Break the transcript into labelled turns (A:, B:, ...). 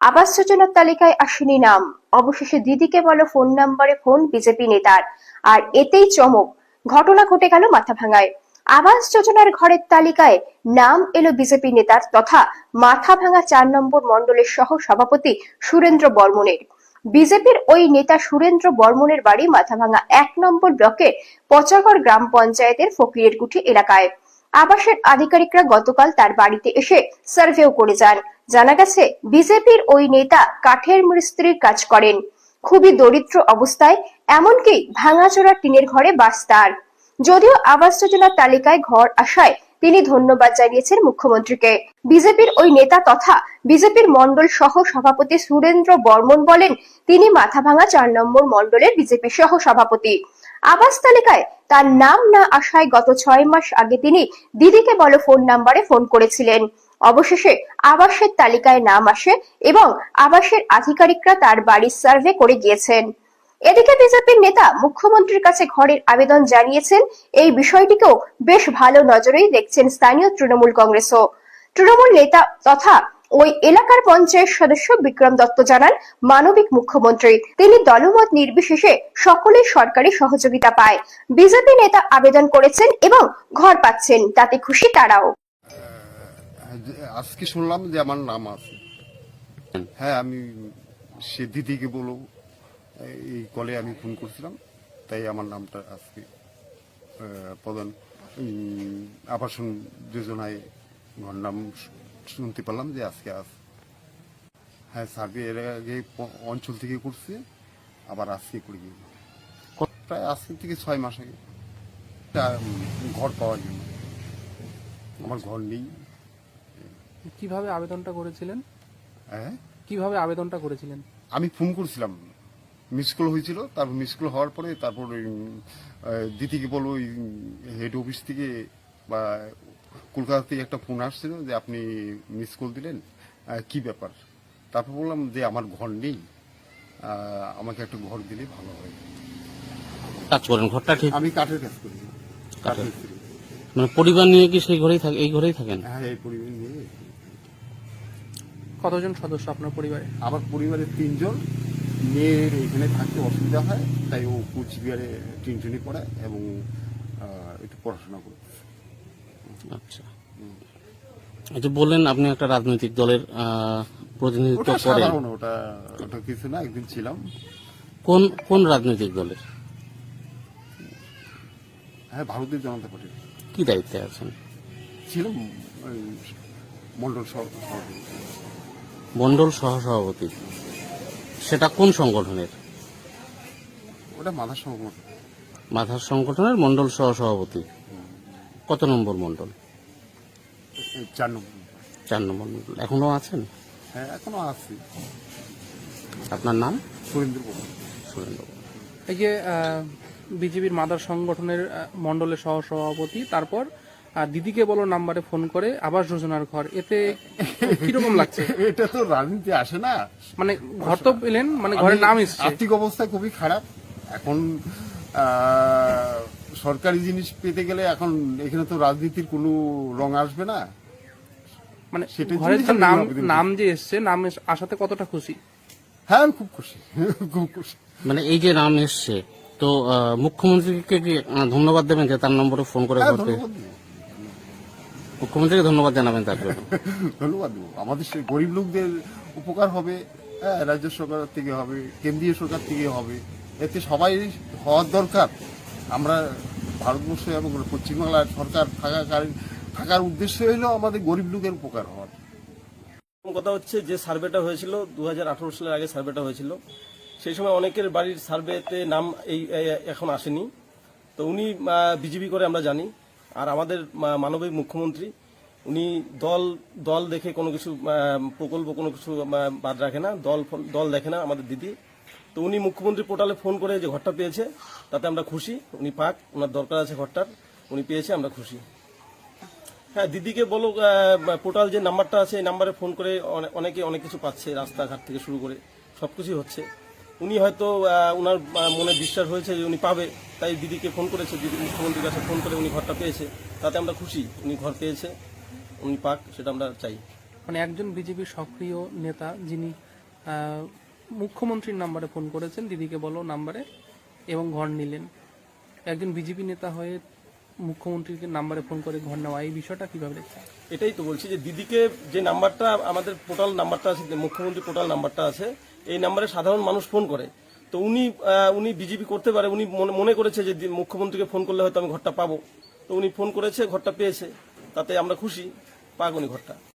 A: আবাস যোজনার তালিকায় আসেনি নাম, অবশেষে দিদিকে বলো ফোন নম্বরে ফোন বিজেপি নেতার। আর এতেই চমক, ঘটনা ঘটে গেল মাথাভাঙায়। আবাস যোজনার ঘরের তালিকায় নাম এলো বিজেপি নেতার তথা মাথাভাঙা ৪ নম্বর মণ্ডলের সহ সভাপতি সুরেন্দ্র বর্মনের। বিজেপির ওই নেতা সুরেন্দ্র বর্মনের বাড়ি মাথাভাঙা ১ নম্বর ব্লকের পচাগড় গ্রাম পঞ্চায়েতের ফকিরেরকুঠি এলাকায়। আবাসের আধিকারিকরা গতকাল তার বাড়িতে এসে সার্ভেও করে যান। জানা গেছে, বিজেপির ওই নেতা কাঠের মিস্ত্রির কাজ করেন, খুবই দরিদ্র অবস্থায়, এমনকি ভাঙাচোরা টিনের ঘরে বাস তার। যদিও আবাস যোজনার তালিকায় ঘর আসায় তিনি ধন্যবাদ জানিয়েছেন মুখ্যমন্ত্রীকে। বিজেপির ওই নেতা তথা বিজেপির মণ্ডল সহ সভাপতি সুরেন্দ্র বর্মন বলেন, তিনি মাথাভাঙা ৪ নম্বর মণ্ডলের বিজেপি সহ সভাপতি। আবাস তালিকায় তার নাম না আসায় গত ৬ মাস আগে তিনি দিদিকে বলো ফোন নম্বরে ফোন করেছিলেন। অবশেষে আবাসের তালিকায় নাম আসে এবং আবাসের আধিকারিকরা তার বাড়ির সার্ভে করে গিয়েছেন। এদিকে বিজেপির নেতা মুখ্যমন্ত্রীর কাছে ঘরের আবেদন জানিয়েছেন। এই বিষয়টিকেও বেশ ভালো নজরেই দেখছেন স্থানীয় তৃণমূল কংগ্রেসও। তৃণমূল নেতা তথা ওই এলাকার পঞ্চায়েত সদস্য বিক্রম দত্ত জানান, মানবিক মুখ্যমন্ত্রী, তিনি দলমত নির্বিশেষে সকলের সরকারি সহযোগিতা পায়। বিজেপি নেতা আবেদন করেছেন এবং ঘর পাচ্ছেন, তাতে খুশি তারাও।
B: আজকে শুনলাম যে আমার নাম আছে। হ্যাঁ, আমি সে দিদিকে বলো এই কলে আমি ফোন করছিলাম, তাই আমার নামটা আজকে প্রধান আবাসন যোজনায় ঘর নাম শুনতে পারলাম যে আজকে আস। হ্যাঁ, সার্ভে এর আগে অঞ্চল থেকে করছে, আবার আজকে করে গিয়ে প্রায় আজকে থেকে ৬ মাস আগে ঘর পাওয়ার জন্য। আমার ঘর নেই।
C: কিভাবে আবেদনটা করেছিলেন?
B: হ্যাঁ,
C: কিভাবে আবেদনটা করেছিলেন?
B: আমি ফোন করছিলাম, মিস কল হয়েছিল, তারপর মিস কল হওয়ার পরে তারপর দিদিকে বলো হেড অফিস থেকে বা কলকাতা থেকে একটা ফোন আসছিল যে আপনি মিস কল দিলেন, কি ব্যাপার। তারপর বললাম যে আমার ঘর নেই, আমাকে একটা ঘর দিলে ভালো হয়।
D: কাজ করেন ঘরটা ঠিক?
B: আমি কাঠের কাজ করি। কাঠের মিস্ত্রি।
D: মানে পরিবার নিয়ে কি সেই ঘরেই থাকে, এই ঘরেই থাকেন?
B: হ্যাঁ, এই পরিবার নিয়ে।
C: কতজন সদস্য আপনার পরিবারে?
B: আমার পরিবারে ৩ জন। মেয়ের এখানে থাকতে অসুবিধা হয়, তাই ও কুচবিহারে টিউশনি পড়ে এবং একটু পড়াশোনা করে।
D: আচ্ছা, এই যে বললেন আপনি একটা রাজনৈতিক দলের প্রতিনিধিত্ব
B: ওটা
D: করেন,
B: সাধারণ, ওটা কিছু না, একদিন ছিলাম।
D: কোন কোন রাজনৈতিক দলের?
B: হ্যাঁ, ভারতীয় জনতা পার্টির
D: কি দায়িত্বে আছেন?
B: ছিলাম, মন্ডল সভাপতি।
D: মন্ডল সহসভাপতি, সেটা কোন সংগঠনের?
B: ওটা মাথার সংগঠন।
D: মাথার সংগঠনের মন্ডল সহসভাপতি। কত নম্বর মন্ডল?
B: ৪ নম্বর।
D: ৪ নম্বর মন্ডল। এখনো আছেন?
B: হ্যাঁ, এখনো আছি।
D: আপনার নাম?
B: সুরেন্দ্র বর্মন।
D: সুরেন্দ্র।
C: এই যে বিজেপির মাদার সংগঠনের মণ্ডলের সহসভাপতি, তারপর দিদিকে বলো নাম্বারে ফোন করে আবাস যোজনার ঘর, এতে কিরকম লাগছে?
B: এটা তো রাজনীতি আসে না।
C: মানে ঘর তো পেলেন, মানে ঘরের নাম এসছে।
B: আর্থিক অবস্থা খুবই খারাপ এখন। সরকারি জিনিস পেতে গেলে এখন এখানে তো রাজনীতির কোনো রং আসবে না।
C: মানে
B: সেটার
C: ঘরের
B: জন্যই
C: যে
B: আমি আবেদন
C: নাম যে এসছে, নাম আসাতে কতটা খুশি?
B: হ্যাঁ, আমি খুব খুশি, খুব খুশি।
D: মানে এই যে নাম এসছে, তো মুখ্যমন্ত্রীকে কি ধন্যবাদ দেবেন যে তার নম্বরে ফোন করে
B: হ্যাঁ,
D: ঘর পেয়ে?
B: ধন্যবাদ দেবো।
D: মুখ্যমন্ত্রীকে ধন্যবাদ জানাবেন তার জন্য?
B: ধন্যবাদ দেবো। আমাদের সেই গরিব লোকদের উপকার হবে। হ্যাঁ, রাজ্য সরকার থেকে হবে, কেন্দ্রীয় সরকার থেকে হবে, এতে সবাই হওয়ার দরকার। আমরা ভারতবর্ষে এবং পশ্চিমবাংলার সরকার থাকার উদ্দেশ্য হলো আমাদের গরিব লোকের উপকার হওয়ার।
E: কথা হচ্ছে যে সার্ভেটা হয়েছিল 2018 সালের আগে সার্ভেটা হয়েছিল, সেই সময় অনেকের বাড়ির সার্ভেতে নাম এখন আসেনি। তো উনি বিজেপি করে আমরা জানি। আর আমাদের মানবিক মুখ্যমন্ত্রী, উনি দল দেখে কোনো কিছু প্রকল্প কোনো কিছু বাদ রাখে না, দল দেখে না আমাদের দিদি। তো উনি মুখ্যমন্ত্রী পোর্টালে ফোন করে যে ঘরটা পেয়েছে, তাতে আমরা খুশি। উনি পাক, ওনার দরকার আছে ঘরটার, উনি পেয়েছে, আমরা খুশি। হ্যাঁ, দিদিকে বলো পোর্টাল যে নাম্বারটা আছে, এই নাম্বারে ফোন করে অনেকে অনেক কিছু পাচ্ছে, রাস্তাঘাট থেকে শুরু করে সবকিছুই হচ্ছে। উনি হয়তো ওনার মনে বিশ্বাস হয়েছে যে উনি পাবে, তাই দিদিকে ফোন করেছে। দিদি মুখ্যমন্ত্রীর কাছে ফোন করে উনি ঘরটা পেয়েছে, তাতে আমরা খুশি। উনি ঘর পেয়েছে, উনি পাক, সেটা আমরা চাই।
C: মানে একজন বিজেপির সক্রিয় নেতা, যিনি মুখ্যমন্ত্রীর নাম্বারে ফোন করেছেন, দিদিকে বলো নাম্বারে, এবং ঘর নিলেন। একজন বিজেপি নেতা হয়ে মুখ্যমন্ত্রীকে নাম্বারে ফোন করে ঘর নেওয়া, এই বিষয়টা কিভাবে দেখছেন?
E: এটাই তো বলছি যে দিদিকে যে নাম্বারটা আমাদের পোর্টাল নাম্বারটা আছে, মুখ্যমন্ত্রী পোর্টাল নাম্বারটা আছে, এই নাম্বারে সাধারণ মানুষ ফোন করে। তো উনি বিজেপি করতে পারে, উনি মনে করেছে যে মুখ্যমন্ত্রীকে ফোন করলে হয়তো আমি ঘরটা পাবো, তো উনি ফোন করেছে, ঘরটা পেয়েছে, তাতে আমরা খুশি, পাক উনি ঘরটা।